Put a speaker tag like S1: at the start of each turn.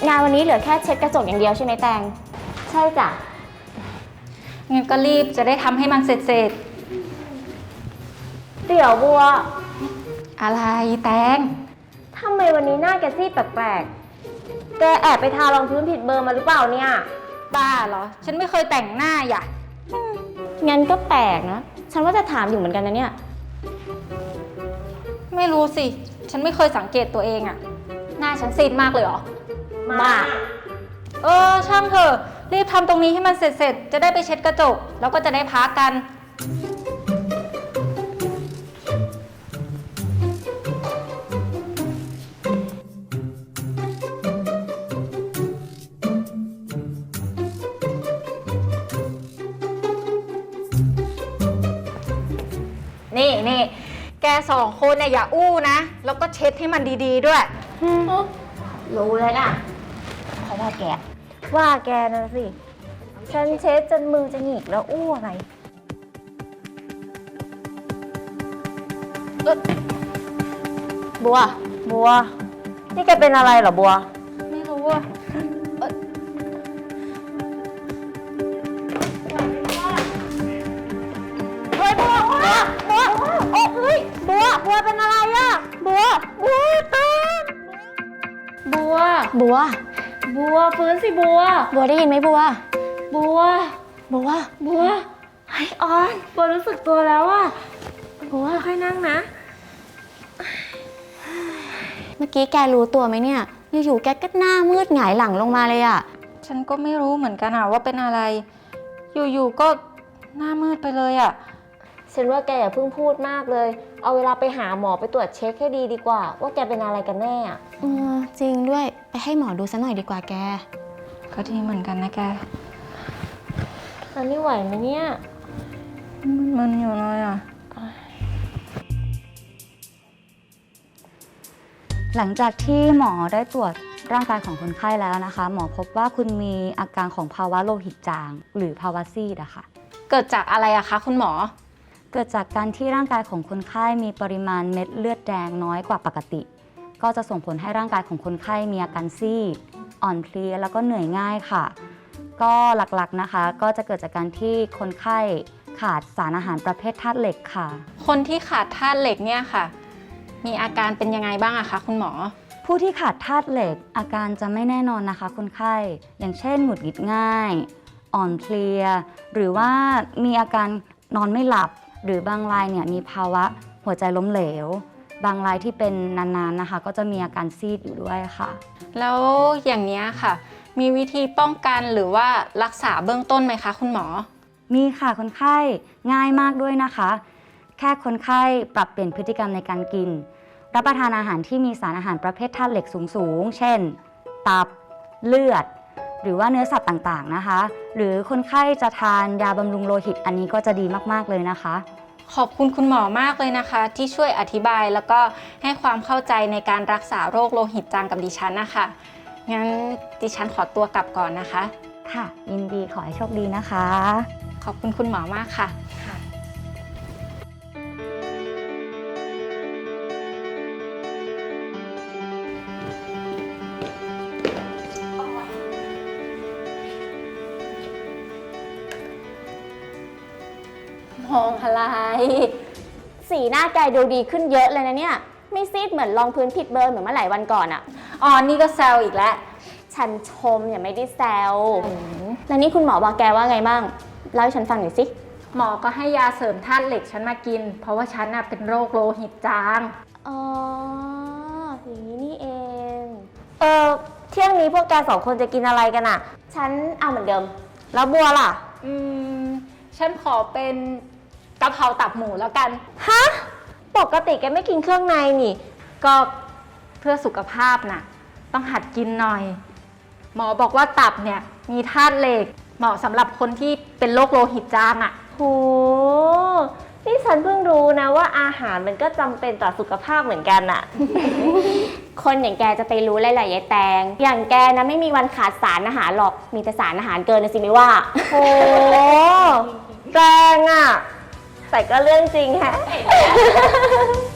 S1: งานวันนี้เหลือแค่เช็ดกระจกอย่างเดียวใช่ไหมแตงใช่จ้ะ
S2: งั้นก็รีบจะได้ทำให้มันเสร็จ
S1: เดี๋ยวบัว
S2: อะไรแตง
S1: ทำไมวันนี้หน้าแกซีดแปลกๆแกแอบไปทารองพื้นผิดเบอร์มาหรือเปล่าเนี่ย
S2: บ้าเหรอฉันไม่เคยแต่งหน้าอย่า
S1: งั้นก็แปลกนะฉันว่าจะถามอยู่เหมือนกันนะเนี่ย
S2: ไม่รู้สิฉันไม่เคยสังเกตตัวเองอะหน้าฉันซีดมากเลยเหรอ
S1: มาก
S2: ช่างเถอะรีบทำตรงนี้ให้มันเสร็จๆจะได้ไปเช็ดกระจกแล้วก็จะได้พักกันนี่แกสองคนเนี่ยอย่าอู้นะแล้วก็เช็ดให้มันดีๆด้วย
S1: รู้เลยนะเพราะว่าแกนะสิฉันเช็ดจนมือจะหงิกแล้วอู้อะไรบัวนี่แกเป็นอะไรเหรอบัว
S2: ไม่รู้อะ
S1: เฮ้ยบัวโอ้เฮ้ยบัวเป็นอะไรอะบัวตื่นบัวฟื้นสิบัวได้ยินไหมบัวไอ้ออนบัวรู้สึกตัวแล้วอะบัวค่อยนั่งนะเมื่อกี้แกรู้ตัวไหมเนี่ยอยู่ๆแกก็หน้ามืดหงายหลังลงมาเลยอะ
S2: ฉันก็ไม่รู้เหมือนกันอะว่าเป็นอะไรอยู่ๆก็หน้ามืดไปเลยอะ
S1: ฉันว่าแกอย่าเพิ่งพูดมากเลยเอาเวลาไปหาหมอไปตรวจเช็คให้ดีกว่าว่าแกเป็นอะไรกันแน่อะจริงด้วยไปให้หมอดูซะหน่อยดีกว่าแก
S2: ก็ดีเหมือนกันนะแก
S1: ตอนนี้ไหวไหมเนี่ย
S2: มันอยู่เลยอะ
S3: หลังจากที่หมอได้ตรวจร่างกายของคนไข้แล้วนะคะหมอพบว่าคุณมีอาการของภาวะโลหิตจางหรือภาวะซีดอะค่ะ
S2: เกิดจากอะไรอะคะคุณหมอ
S3: เกิดจากการที่ร่างกายของคนไข้มีปริมาณเม็ดเลือดแดงน้อยกว่าปกติก็จะส่งผลให้ร่างกายของคนไข้มีอาการซีดอ่อนเพลียแล้วก็เหนื่อยง่ายค่ะก็หลักๆนะคะก็จะเกิดจากการที่คนไข้ขาดสารอาหารประเภทธาตุเหล็กค่ะ
S2: คนที่ขาดธาตุเหล็กเนี่ยค่ะมีอาการเป็นยังไงบ้างอะคะคุณหมอ
S3: ผู้ที่ขาดธาตุเหล็กอาการจะไม่แน่นอนนะคะคนไข้อย่างเช่นหงุดหงิดง่ายอ่อนเพลียหรือว่ามีอาการนอนไม่หลับหรือบางรายเนี่ยมีภาวะหัวใจล้มเหลวบางรายที่เป็นนานๆนะคะก็จะมีอาการซีดอยู่ด้วยค่ะ
S2: แล้วอย่างนี้ค่ะมีวิธีป้องกันหรือว่ารักษาเบื้องต้นไหมคะคุณหมอ
S3: มีค่ะคนไข้ง่ายมากด้วยนะคะแค่คนไข้ปรับเปลี่ยนพฤติกรรมในการกินรับประทานอาหารที่มีสารอาหารประเภทธาตุเหล็กสูงเช่นตับเลือดหรือว่าเนื้อสัตว์ต่างๆนะคะหรือคนไข้จะทานยาบำรุงโลหิตอันนี้ก็จะดีมากๆเลยนะคะ
S2: ขอบคุณคุณหมอมากเลยนะคะที่ช่วยอธิบายแล้วก็ให้ความเข้าใจในการรักษาโรคโลหิตจางกับดิฉันนะคะงั้นดิฉันขอตัวกลับก่อนนะคะ
S3: ค่ะยินดีขอให้โชคดีนะคะ
S2: ขอบคุณคุณหมอมากค่ะ
S1: มองอะไรสีหน้าแกดูดีขึ้นเยอะเลยนะเนี่ยไม่ซีดเหมือนรองพื้นผิดเบอร์เหมือนเมื่อหลายวันก่อนอะ
S2: นี่ก็แซวอีกแล้ว
S1: ฉันชมอย่าไม่ได้แซวแล้วนี่คุณหมอบอกแกว่าไงบ้างเล่าให้ฉันฟังหน่อยสิ
S2: หมอก็ให้ยาเสริมธาตุเหล็กฉันมากินเพราะว่าฉันเป็นโรคโลหิตจาง
S1: อย่างนี้นี่เองเที่ยงนี้พวกแกสองคนจะกินอะไรกันอะฉันเอาเหมือนเดิมแล้วบัวล่ะ
S2: ฉันขอเป็นกะเพราตับหมูแล้วกัน
S1: ฮะปกติแกไม่กินเครื่องในนี่
S2: ก็เพื่อสุขภาพน่ะต้องหัดกินหน่อยหมอบอกว่าตับเนี่ยมีธาตุเหล็กเหมาะสำหรับคนที่เป็นโรคโลหิตจาง
S1: โหนี่ฉันเพิ่งรู้นะว่าอาหารมันก็จำเป็นต่อสุขภาพเหมือนกันคนอย่างแกจะไปรู้อะไรหลายแตงอย่างแกนะไม่มีวันขาดสารอาหารหรอกมีแต่สารอาหารเกินนะสิไม่ว่าโหแตงแต่ก็เรื่องจริงฮะ